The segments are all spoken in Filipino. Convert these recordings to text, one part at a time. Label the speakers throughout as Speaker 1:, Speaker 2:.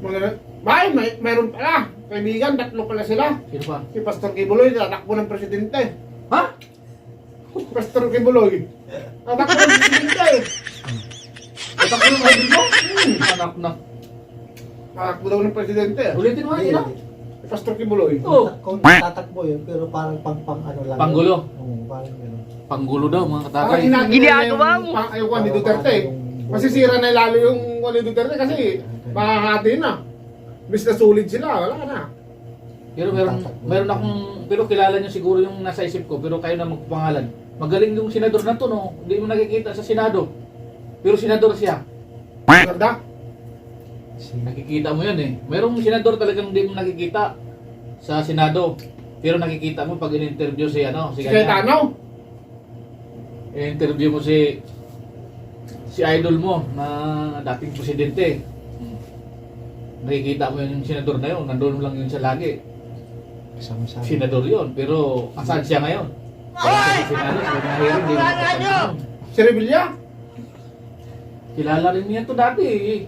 Speaker 1: Mayroon pala. Kaibigan, tatlo pala sila.
Speaker 2: Sino pa?
Speaker 1: Si Pastor Kibuloy, tatakbo ng presidente.
Speaker 2: Ha?
Speaker 1: Pastor Kibuloy. Tatakbo ng presidente.
Speaker 2: Tatakbo yung idol mo? Anak na.
Speaker 1: Tatakbo daw ng presidente.
Speaker 2: Ulitin mo yun,
Speaker 1: Si Pastor Kibuloy.
Speaker 2: Oo.
Speaker 3: Kung tatakbo yun, pero parang pang ano lang.
Speaker 2: Panggulo.
Speaker 3: Oo, parang gano'n.
Speaker 2: Panggulo daw, mga
Speaker 1: Parang
Speaker 2: katakay.
Speaker 1: ginagawa mo. Ayoko ni Duterte. Masisira na lalo yung ni Duterte kasi makakati na. Bis na sulit sila, wala na.
Speaker 2: Pero meron akong, pero kilala niyo siguro yung nasa isip ko, pero kayo na magpangalan. Magaling yung senador na to, no? Hindi mo nakikita sa Senado. Pero senador siya.
Speaker 1: Ganda.
Speaker 2: Nakikita mo yun eh. Merong senador talagang hindi mo nakikita sa Senado. Pero nakikita mo pag in-interview si ano,
Speaker 1: Si Cayetano.
Speaker 2: in-interview mo si idol mo na dating presidente. Nakikita mo yun yung senador na yun, nandun lang yun siya lagi.
Speaker 3: Kasama-sama.
Speaker 2: Senador yun, pero asan siya ngayon? Wala siya sa Senado, sa mga hearing, hindi mo nakasama.
Speaker 1: Si Revilla.
Speaker 2: Kilala rin niya to dati eh.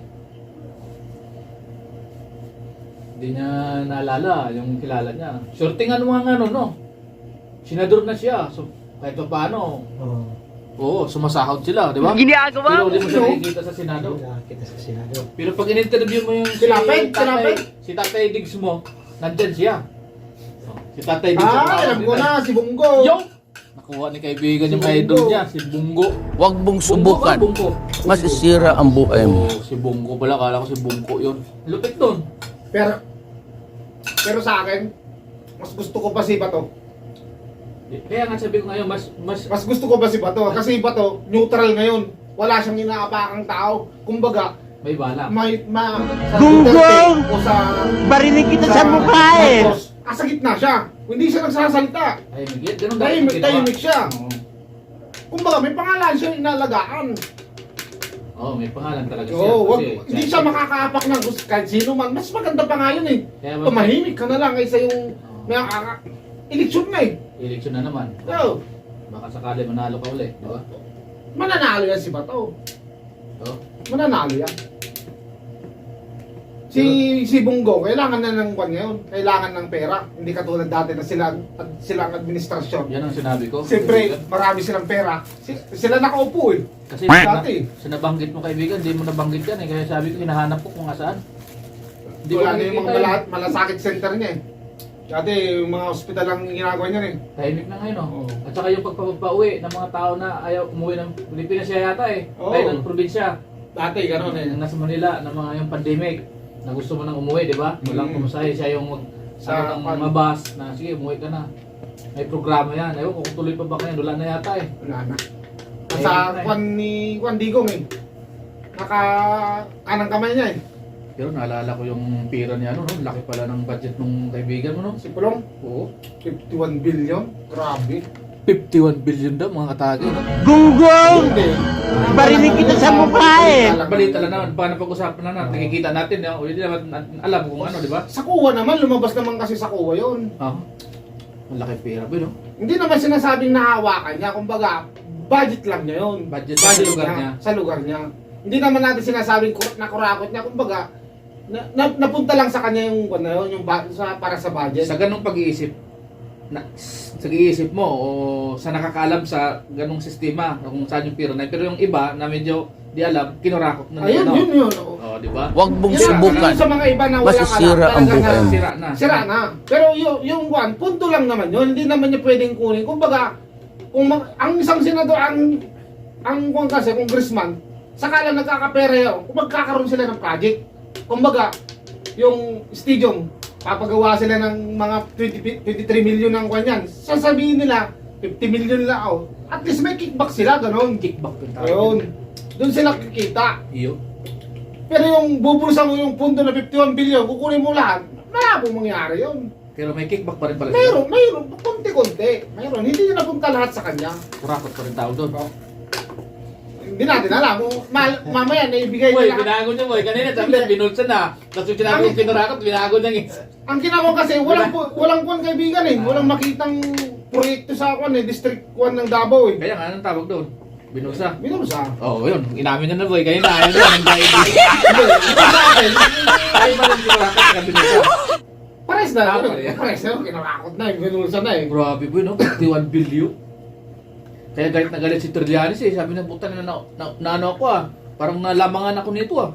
Speaker 2: Hindi niya naalala yung kilala niya. Sortingan mo nga ano, no? Senador na siya, so kahit pa paano,
Speaker 3: Oo.
Speaker 2: oo, sumasahod sila, di ba?
Speaker 4: Ginagawa
Speaker 2: Pero
Speaker 4: mo.
Speaker 2: hindi mo siya nakikita sa Senado.
Speaker 3: Kita sa Senado.
Speaker 2: Pero pag in-interview mo yung si Tatay Diggs mo, nandyan siya. Oh, si Tatay Diggs ang tawag
Speaker 1: Alam ko
Speaker 2: nila.
Speaker 1: na, si Bungo.
Speaker 2: Yung! Nakuha ni kaibigan yung
Speaker 1: Si
Speaker 2: idol
Speaker 1: Bungo.
Speaker 2: niya, si Bungo.
Speaker 5: Huwag mong subukan.
Speaker 2: Bungo.
Speaker 5: Masisira ang buhay mo.
Speaker 2: Oh, si Bungo pala, kala ko si Bungo yun. Lupit nun.
Speaker 1: Pero sa akin, mas gusto ko pa si Bato.
Speaker 2: Kaya nga sabi ko ngayon, mas
Speaker 1: Mas gusto ko pa si Bato. Kasi Bato, neutral ngayon. Wala siyang inaapakang tao. Kumbaga,
Speaker 2: may bala.
Speaker 1: sa
Speaker 4: Gunggong!
Speaker 1: Duterte o sa...
Speaker 4: Barinig kita sa mukha eh.
Speaker 1: Marcos, sa gitna siya. Hindi siya nagsasalita.
Speaker 2: Tahimik yan, ganun
Speaker 1: Tahimik siya.
Speaker 2: Oo.
Speaker 1: Kumbaga, may pangalan siya inalagaan.
Speaker 2: Oo, may pangalan talaga siya.
Speaker 1: Oo,
Speaker 2: Kasi
Speaker 1: hindi siya makakaapak ng gusto kahit sino man. Mas maganda pa nga yun eh.
Speaker 2: Kaya
Speaker 1: Tumahimik ka na lang kaysa yung may eleksyon na eh.
Speaker 2: eleksyon na naman.
Speaker 1: So,
Speaker 2: Baka sakali manalo ka uli, di ba?
Speaker 1: mananalo yan si Bato.
Speaker 2: Oo.
Speaker 1: Mananalo yan. Si Bungo, kailangan na ng kwan ngayon. Kailangan ng pera. Hindi katulad dati na sila ang administrasyon.
Speaker 2: Yan ang sinabi ko.
Speaker 1: Siyempre, marami silang pera. Sila nakaupo eh.
Speaker 2: Kasi
Speaker 1: Dati.
Speaker 2: sa nabanggit mo kaibigan, hindi mo nabanggit yan eh. Kaya sabi ko, hinahanap ko kung asaan. Hindi
Speaker 1: Wala
Speaker 2: ko
Speaker 1: na yung mga
Speaker 2: nakikita yun.
Speaker 1: malasakit center niya eh. Dati, yung mga ospital lang ginagawa niya eh.
Speaker 2: Tahimik na ngayon, oh.
Speaker 1: Oo.
Speaker 2: At saka yung pagpapauwi ng mga tao na ayaw umuwi ng Pilipinas siya yata eh.
Speaker 1: Oo.
Speaker 2: Tayo ng probinsya.
Speaker 1: Dati, gano'n eh.
Speaker 2: Nasa Manila, ng mga yung pandemic, na gusto mo nang umuwi, di ba? Walang pumasahe, siya yung
Speaker 1: Sa
Speaker 2: ng mga bus na sige, umuwi ka na. May programa yan. Ayaw kung tuloy pa ba kaya, wala na yata eh.
Speaker 1: Wala na. Sa kwan ni Juan Digong eh. Kanang kamay niya eh.
Speaker 2: Pero naalala ko yung pira niya, ano, no? Laki pala ng budget ng kaibigan mo, no?
Speaker 1: Si Pulong,
Speaker 2: Oo.
Speaker 1: 51 billion. Grabe.
Speaker 2: 51 billion daw, mga katagi. No?
Speaker 4: Gunggong!
Speaker 1: Hindi.
Speaker 4: Barinig kita sa mukha eh.
Speaker 2: Balita lang naman, paano pag-usapan na natin, nakikita natin, o hindi naman alam kung ano, di ba?
Speaker 1: Sa kuwa naman, lumabas naman kasi sa kuwa yun.
Speaker 2: Ah, malaki pera ba, no?
Speaker 1: Hindi naman sinasabing nahawakan niya. Kumbaga, budget lang niya yun.
Speaker 2: Budget sa lugar niya.
Speaker 1: Sa lugar niya. Hindi naman natin sinasabing nakurakot niya. Kumbaga, napunta lang sa kanya yung, ano, yung para sa budget.
Speaker 2: Sa ganong pag-iisip, sa iisip mo o sa nakakaalam sa ganong sistema kung saan yung pira na, pero yung iba na medyo di alam, kinurakot na
Speaker 1: Ayun,
Speaker 2: ano.
Speaker 1: yun.
Speaker 2: Oh, di ba?
Speaker 5: Huwag mong
Speaker 1: Yun
Speaker 5: subukan.
Speaker 1: sa mga iba na walang
Speaker 5: Masisira
Speaker 1: alam,
Speaker 5: ang
Speaker 1: talaga
Speaker 5: buhay mo.
Speaker 2: Sira na.
Speaker 1: Sira na. Pero yung one, punto lang naman yun. Hindi naman niya pwedeng kunin. Kumbaga, ang isang senador, ang kung kasi, congressman, saka lang nagkakapera yun, kung magkakaroon sila ng project. Kumbaga, yung stadium, papagawa sila ng mga 23 million ng kanyan. Sasabihin nila, 50 million lang. Oh. At least may kickback sila, ganun.
Speaker 2: Kickback yung tawag.
Speaker 1: Ayun. Doon sila kikita.
Speaker 2: Iyo.
Speaker 1: Pero yung bubulsa mo yung pundo na 51 billion, kukunin mo lahat, malabong mangyari yun.
Speaker 2: Pero may kickback pa rin pala.
Speaker 1: Mayroon, konti-konti. Mayroon, hindi nyo napunta lahat sa kanya.
Speaker 2: Kurakot pa rin tao doon.
Speaker 1: Hindi natin alam kung mamaya naibigay
Speaker 2: Boy,
Speaker 1: nila.
Speaker 2: binago niya, boy. Kanina sabi niya, binulsa na. Tapos yung sinabi yung kinurakot, binago niya.
Speaker 1: Ang ginawa kasi, walang kwan kaibigan eh. Walang makitang proyekto sa kwan eh, District 1 ng Davao eh.
Speaker 2: Kaya nga, anong tawag doon? Binusa.
Speaker 1: Binusa.
Speaker 2: Oo, yun. Inamin niya na boy. Kayo na. Ayun na. Anxiety.
Speaker 1: Hindi, sa akin,
Speaker 2: Ay, ba rin siguro ka binusa?
Speaker 1: pares na.
Speaker 2: Tama rin.
Speaker 1: Pares na, kinakakot na, binusa na eh.
Speaker 2: Grabe boy, no? 51 billion. Kaya galit na galit si Trillanes eh. Sabi na, puta na ano ako ah. Parang nalamangan ako nito ah.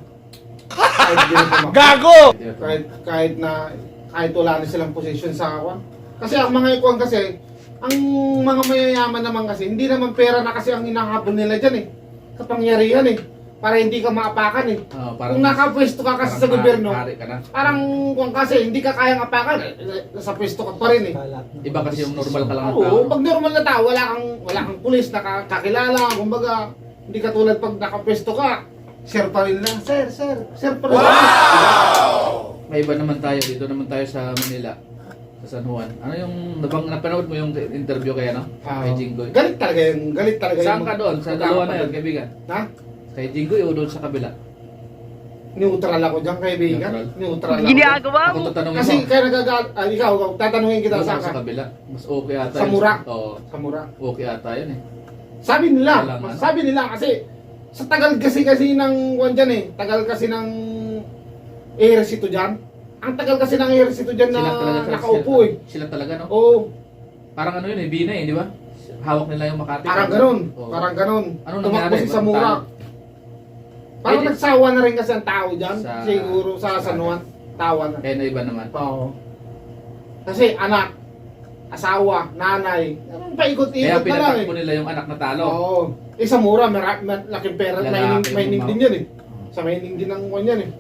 Speaker 4: Gago!
Speaker 1: Kahit wala na silang position sa kawan. Kasi ang mga ikuan kasi, ang mga mayayaman naman kasi, hindi naman pera na kasi ang hinahabol nila dyan eh. Kapangyarihan eh. Para hindi ka maapakan eh. Kung nakapwesto ka kasi sa gobyerno,
Speaker 2: Hari ka na.
Speaker 1: parang kung kasi hindi ka kayang apakan, sa pwesto ka pa rin eh.
Speaker 2: Iba kasi yung normal ka lang na tao.
Speaker 1: Oo, pag normal na tao, wala kang pulis na kakilala, kumbaga, hindi ka tulad pag nakapwesto ka, sir pa rin lang, sir pa rin lang.
Speaker 2: May iba naman tayo. Dito naman tayo sa Manila. Sa San Juan. Ano yung napanood mo yung interview kaya no? Kay Jinggoy.
Speaker 1: Galit talaga
Speaker 2: Saan ka doon? Sa dalawa na yun, kaibigan?
Speaker 1: Ha?
Speaker 2: Kay Jinggoy o doon sa kabila?
Speaker 1: Neutral ako dyan, kaibigan. Neutral ako.
Speaker 4: Ginagawa
Speaker 2: Ako
Speaker 4: mo!
Speaker 2: tatanungin
Speaker 1: Kasi
Speaker 2: mo.
Speaker 1: kaya ikaw, tatanungin kita
Speaker 2: Doon
Speaker 1: sa
Speaker 2: ako sa kabila. Mas okay ata.
Speaker 1: Sa mura?
Speaker 2: Oo.
Speaker 1: Sa mura.
Speaker 2: Okay ata yun eh.
Speaker 1: Sabi
Speaker 2: Kailangan.
Speaker 1: nila kasi sa tagal kasi ng kuwan dyan eh. Tagal kasi ng ehersito dyan. Ang tagal kasi ng ehersito dyan na nakaupo eh.
Speaker 2: Sila talaga no?
Speaker 1: Oo,
Speaker 2: Parang ano yun eh, Bina eh, di ba? Hawak nila yung Makati.
Speaker 1: parang ganun.
Speaker 2: Oo.
Speaker 1: Parang ganun.
Speaker 2: Ano
Speaker 1: Tumakbo
Speaker 2: nangyari?
Speaker 1: si Zamora. Parang
Speaker 2: Eh, di-
Speaker 1: nagsawa na rin kasi ang tao dyan.
Speaker 2: Sa-
Speaker 1: Siguro sa San Juan. Tawa na.
Speaker 2: Kaya na iba naman.
Speaker 1: Oo. Kasi anak, asawa, nanay, anong paikot-ikot
Speaker 2: Kaya
Speaker 1: na lang
Speaker 2: pinatakbo
Speaker 1: eh.
Speaker 2: nila yung anak na talo.
Speaker 1: Oo. Sa mura, laking pera,
Speaker 2: Lalaki
Speaker 1: mining
Speaker 2: yung
Speaker 1: din yan eh. Sa mining din ang kwan yan eh.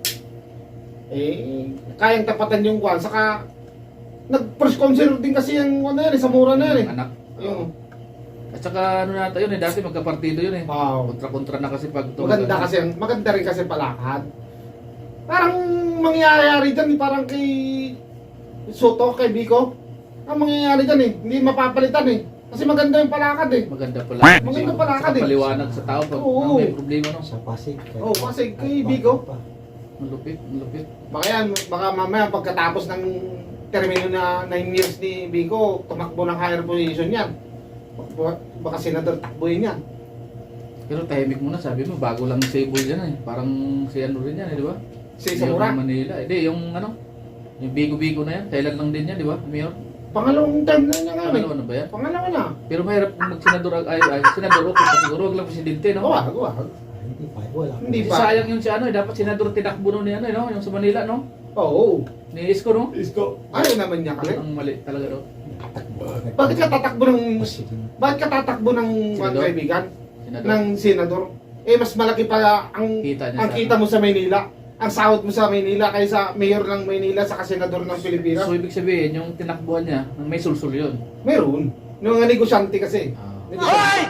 Speaker 1: Kayang tapatan yung kwan, saka nag-first concert din kasi yung ano yan eh, sa mura na yan eh.
Speaker 2: Yung anak.
Speaker 1: Yung,
Speaker 2: At saka ano nata yun eh, dati magkapartido yun eh.
Speaker 1: wow.
Speaker 2: Kontra-kontra na kasi pag
Speaker 1: Maganda rin kasi palakad. Parang mangyayari dyan eh, parang kay Soto, kay Biko. Ang mangyayari dyan eh, hindi mapapalitan eh. Kasi maganda yung palakad eh.
Speaker 2: Maganda pala.
Speaker 1: Maganda pala ka
Speaker 2: Saka
Speaker 1: din.
Speaker 2: paliwanag sa tao pag
Speaker 1: Oo.
Speaker 2: may problema no.
Speaker 3: Sa Pasig.
Speaker 1: Oo, Pasig, kay Bigo.
Speaker 2: Malupit, malupit.
Speaker 1: Baka yan, baka mamaya pagkatapos ng termino na 9 years ni Biko, tumakbo ng higher position yan. Baka senador takboyin yan.
Speaker 2: Pero tahimik muna, sabi mo, bago lang si Sable yan eh. Parang si ano rin yan eh, di ba?
Speaker 1: Si
Speaker 2: Mayor
Speaker 1: Zamora.
Speaker 2: ng Manila. Hindi, yung ano, yung Bigo-Bigo na yan. Kailan lang din yan, di ba? Mayor?
Speaker 1: Pangalawang time na niya ngayon.
Speaker 2: Pangalawa na ba yan?
Speaker 1: Pangalawa na.
Speaker 2: Pero mahirap kung mag-senador, senador okay pa siguro, wag lang presidente, no?
Speaker 1: Wag.
Speaker 3: Hindi pa, wala.
Speaker 1: Hindi
Speaker 2: Kasi
Speaker 1: pa.
Speaker 2: sayang yung si ano, dapat senador tinakbo nun ni ano, no? Yung sa Manila, no?
Speaker 1: Oo.
Speaker 2: Ni Isko, no?
Speaker 1: Isko. Ayaw naman niya kasi.
Speaker 2: Ang mali talaga, no?
Speaker 1: Bakit ka tatakbo ng... Bakit ka tatakbo ng mga
Speaker 2: Senador?
Speaker 1: kaibigan?
Speaker 2: Senador.
Speaker 1: Ng senador? Mas malaki pa ang
Speaker 2: Kita niya
Speaker 1: ang
Speaker 2: sa-
Speaker 1: kita mo sa Maynila. Ang sahod mo sa Maynila kaysa mayor ng Maynila sa senador ng Pilipinas.
Speaker 2: So, ibig sabihin, yung tinakbuhan niya, may sulsul yun.
Speaker 1: Meron. Yung mga negosyante kasi. Negosyante.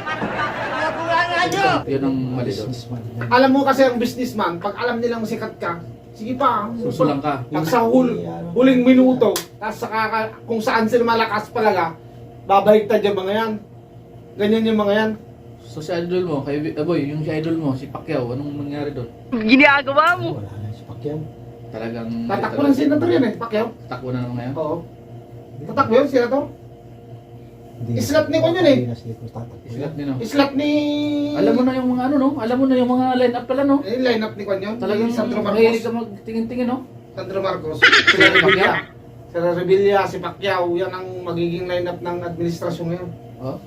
Speaker 2: Yun ang mali doon.
Speaker 3: Businessman.
Speaker 1: Alam mo kasi ang businessman, pag alam nilang sikat ka, sige pa.
Speaker 2: Susulang ka.
Speaker 1: Pag sa huling minuto, tapos saka kung saan sila malakas palaga, babaliktad yung mga yan. Ganyan yung mga yan.
Speaker 2: So si idol mo, boy, yung si idol mo, si Pacquiao, anong nangyari doon?
Speaker 4: Ginagawa mo!
Speaker 3: Wala na si Pacquiao.
Speaker 2: Talagang...
Speaker 1: Tatakbo ng senador yan eh, Pacquiao.
Speaker 2: Takbo na naman ngayon.
Speaker 1: Oo. Tatakbo yun, senador.
Speaker 3: Hindi
Speaker 1: Islat ni Konyon eh.
Speaker 3: Hindi na siya tatakbo.
Speaker 2: Islat ni no.
Speaker 1: Islat ni...
Speaker 2: Alam mo na yung mga ano no? Alam mo na yung mga line-up pala no?
Speaker 1: Line up ni Konyon.
Speaker 2: Talagang
Speaker 1: Sandro
Speaker 2: mahilig
Speaker 1: Marcos.
Speaker 2: ka magtingin-tingin no?
Speaker 1: Sandro Marcos. Sila Revilla. Sila Revilla, si Pacquiao, yan ang magiging line up ng administrasyon ngayon.
Speaker 2: Oh?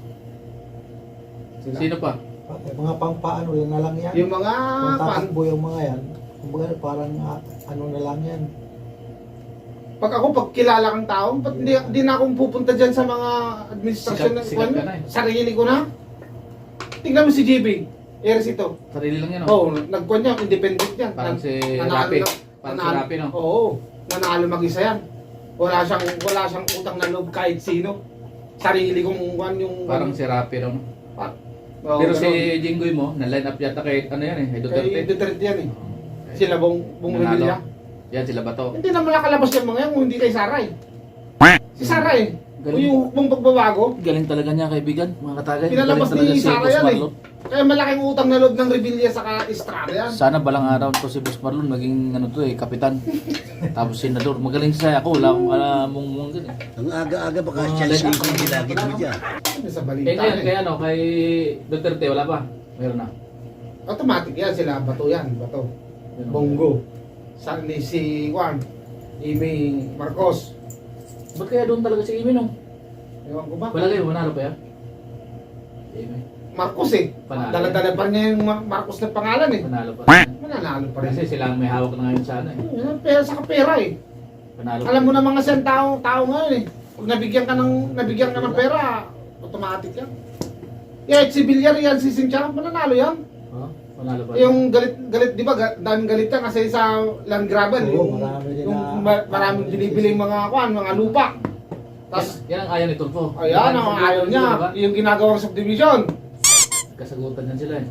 Speaker 1: Sila.
Speaker 2: Sino pa?
Speaker 3: Mga pampaano na lang yan.
Speaker 1: Yung mga
Speaker 3: Kung
Speaker 1: fan,
Speaker 3: tatakbo yung mga yan, kumbaga parang ano na lang yan.
Speaker 1: pag kilala kang tao, ba't di na akong pupunta dyan sa mga administrasyon ng
Speaker 2: Sikat ka na eh.
Speaker 1: Sarili ko na. Tingnan mo si JB, Ersito.
Speaker 2: Sarili lang yan no?
Speaker 1: Oo, nagkuhan niya, independent yan.
Speaker 2: Parang si
Speaker 1: Nanalo
Speaker 2: Rapi.
Speaker 1: na-
Speaker 2: Parang si
Speaker 1: nanalo-
Speaker 2: Rapi no?
Speaker 1: Oo, nanalo mag-isa yan. Wala siyang utang na loob kahit sino. Sarili kong yung...
Speaker 2: Parang si Rapi no?
Speaker 1: Oo,
Speaker 2: Pero
Speaker 1: ganun.
Speaker 2: si Jinggoy mo, na-line up yata kay ano yan eh, kay
Speaker 1: Kay
Speaker 2: Duterte.
Speaker 1: Duterte yan eh.
Speaker 2: Oh.
Speaker 1: Sila bong bumili.
Speaker 2: Yan sila ba to?
Speaker 1: Hindi naman nakalabas yung mga yan kung hindi kay Saray. Si Saray, kung
Speaker 2: Galing.
Speaker 1: yung hukbong pagbabago,
Speaker 2: Galing talaga niya kaibigan, mga katagay.
Speaker 1: pinalabas
Speaker 2: Galing talaga
Speaker 1: ni
Speaker 2: si
Speaker 1: Sara
Speaker 2: Boss
Speaker 1: yan eh.
Speaker 2: Marlon.
Speaker 1: Kaya malaking utang na loob ng Revilla sa Estrada yan.
Speaker 2: Sana balang araw to si Boss Marlon maging ano to eh, kapitan. Tapos senador, magaling siya ako, wala akong alamong dun eh.
Speaker 6: Ang aga-aga baka siya
Speaker 2: line up.
Speaker 6: yung gilagid mo dyan.
Speaker 1: Ano sa
Speaker 2: Eh
Speaker 1: balita
Speaker 2: ngayon,
Speaker 1: eh.
Speaker 2: kay ano, kay Duterte, wala pa. Meron na.
Speaker 1: Automatic yan sila, Bato yan, Bato.
Speaker 2: Meron.
Speaker 1: Bongo. Saan ni si Juan? Amy Marcos.
Speaker 2: Ba't kaya doon talaga si Amy no?
Speaker 1: Ewan ko ba?
Speaker 2: Wala kayo, manalo pa yan? Amy.
Speaker 1: Marcos eh.
Speaker 2: Panalo.
Speaker 1: Dala-dala pa niya yung Marcos na pangalan eh.
Speaker 2: Panalo pa.
Speaker 1: Mananalo pa rin.
Speaker 2: Kasi sila ang may hawak na ngayon sa ano eh.
Speaker 1: Pera sa pera eh.
Speaker 2: Panalo
Speaker 1: Alam mo
Speaker 2: pa.
Speaker 1: na mga siyang tao ngayon eh. Pag nabigyan ka ng pera, automatic yan. Yeah, si Villarreal, si Cynthia, mananalo yan.
Speaker 2: Oh, panalo pa.
Speaker 1: Yung galit, di ba? Daming galit yan kasi sa land gravel.
Speaker 3: Oo,
Speaker 1: yung
Speaker 3: marami din
Speaker 1: yung
Speaker 3: na-
Speaker 1: maraming binibiling mga lupa. Tapos,
Speaker 2: Yan ang ayaw ni Tulfo.
Speaker 1: ayan, ang ayaw niya.
Speaker 2: Diba?
Speaker 1: Yung ginagawang subdivision.
Speaker 2: Kasagutan yan sila eh.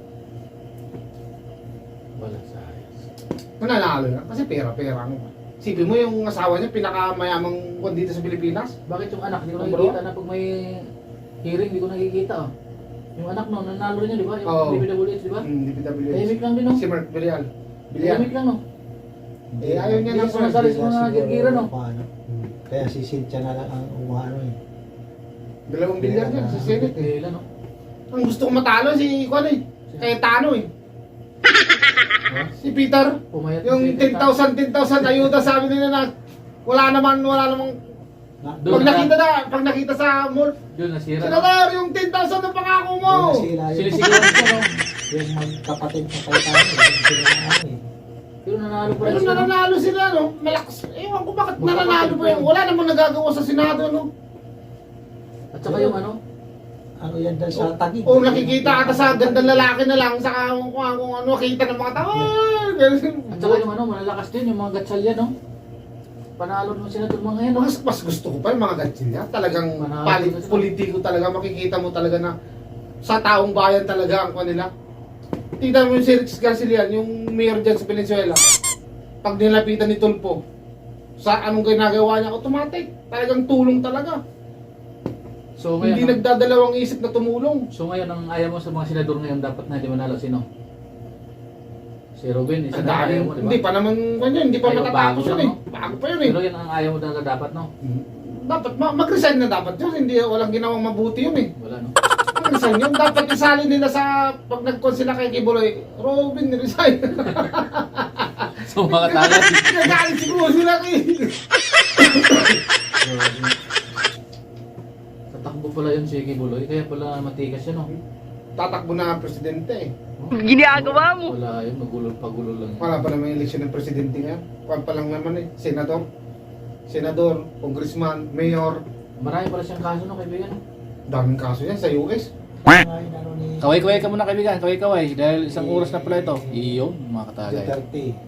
Speaker 2: Wala sa ayos.
Speaker 1: Mananalo yan. Kasi pera-pera. Sipin mo yung asawa niya, pinakamayamang kwan dito sa Pilipinas.
Speaker 2: Bakit yung anak, hindi ko
Speaker 1: Number
Speaker 2: nakikita na pag may hearing, hindi ko nakikita oh. Yung anak no, nanalo rin yun, di ba? Yung
Speaker 1: Oo.
Speaker 2: DPWH, di ba?
Speaker 1: DPWH.
Speaker 2: Tahimik lang din no?
Speaker 1: Si Mark Villarreal. Villarreal.
Speaker 2: Tahimik lang no?
Speaker 1: Eh, ayaw niya
Speaker 2: Hindi
Speaker 1: ng
Speaker 2: sumasali sa
Speaker 3: Kaya
Speaker 2: mga
Speaker 3: siguro,
Speaker 2: gigira no?
Speaker 3: paano. Kaya si Cynthia na lang ang umano eh.
Speaker 1: Dalawang bilyar yan, si Senate eh.
Speaker 2: Kailan no?
Speaker 1: Ang gusto kong matalo si Kwan eh. Kay Tano eh. Si Peter.
Speaker 2: Pumayat
Speaker 1: Yung 10,000 ayuda sabi nila na wala namang
Speaker 2: Doon
Speaker 1: pag nakita sa mall.
Speaker 2: Doon nasira. no?
Speaker 1: Senador, yung 10,000 na pangako mo.
Speaker 2: Sinisigawan siya no?
Speaker 3: Yung magkapatid na kayo tayo. Sila na ano eh.
Speaker 2: Pero nanalo pa rin
Speaker 1: Pero
Speaker 2: siya. no?
Speaker 1: nananalo sila no. Malakas. Ewan ko bakit
Speaker 2: Magkapatid
Speaker 1: nananalo pa
Speaker 2: pa
Speaker 1: yung
Speaker 2: yun.
Speaker 1: wala namang nagagawa sa Senado no.
Speaker 2: At saka yung ano?
Speaker 3: Ano yan dahil sa tagig.
Speaker 1: O nakikita ata sa gandang lalaki na lang saka kung ano kita ng mga tao.
Speaker 2: At saka yung ano, malalakas din yung mga gatsalya no? Panalo ng senador mga yan no?
Speaker 1: Mas gusto ko pa yung mga gatsilya. Talagang
Speaker 2: Manalo sila.
Speaker 1: politiko talaga. Makikita mo talaga na sa taong bayan talaga ang kanila. Tingnan mo yung si Rix Garcilian, yung mayor dyan sa Venezuela. Pag nilapitan ni Tulfo, sa anong ginagawa niya, automatic. Talagang tulong talaga.
Speaker 2: So ngayon,
Speaker 1: Hindi nagdadalawang isip na tumulong.
Speaker 2: so ngayon ang ayaw mo sa mga senador ngayon dapat na hindi manalo sino? Si Robin, isa
Speaker 1: Ang
Speaker 2: na
Speaker 1: dami,
Speaker 2: ayaw mo, di ba?
Speaker 1: hindi pa naman kanya, hindi pa
Speaker 2: Ayaw,
Speaker 1: matatapos
Speaker 2: bago
Speaker 1: yun
Speaker 2: lang,
Speaker 1: eh.
Speaker 2: no?
Speaker 1: Bago pa yun eh.
Speaker 2: Pero yan ang ayaw mo talaga dapat no?
Speaker 1: Dapat mag-resign na dapat yun. Hindi walang ginawang mabuti yun eh.
Speaker 2: Wala no?
Speaker 1: Resign yun. Dapat isali nila sa pag nag-con sila kay Kibuloy. Robin, resign.
Speaker 2: So mga tagad.
Speaker 1: Nagalit siguro sila kay...
Speaker 2: Tatakbo pala yun si Kibuloy, kaya pala matigas yun no?
Speaker 1: Tatakbo na ang presidente eh.
Speaker 4: Ginagawa mo.
Speaker 2: Wala yun, pagulo lang.
Speaker 1: Wala pa naman yung eleksyon ng presidente ngayon. Kwan pa lang naman eh. Senador, congressman, mayor.
Speaker 2: Marami pala siyang kaso no, kaibigan no?
Speaker 1: Daming kaso yan sa US.
Speaker 2: Kaway-kaway ka muna kaibigan, kaway-kaway. Dahil isang oras na pala ito. Iyon, mga katagay.
Speaker 3: Duterte.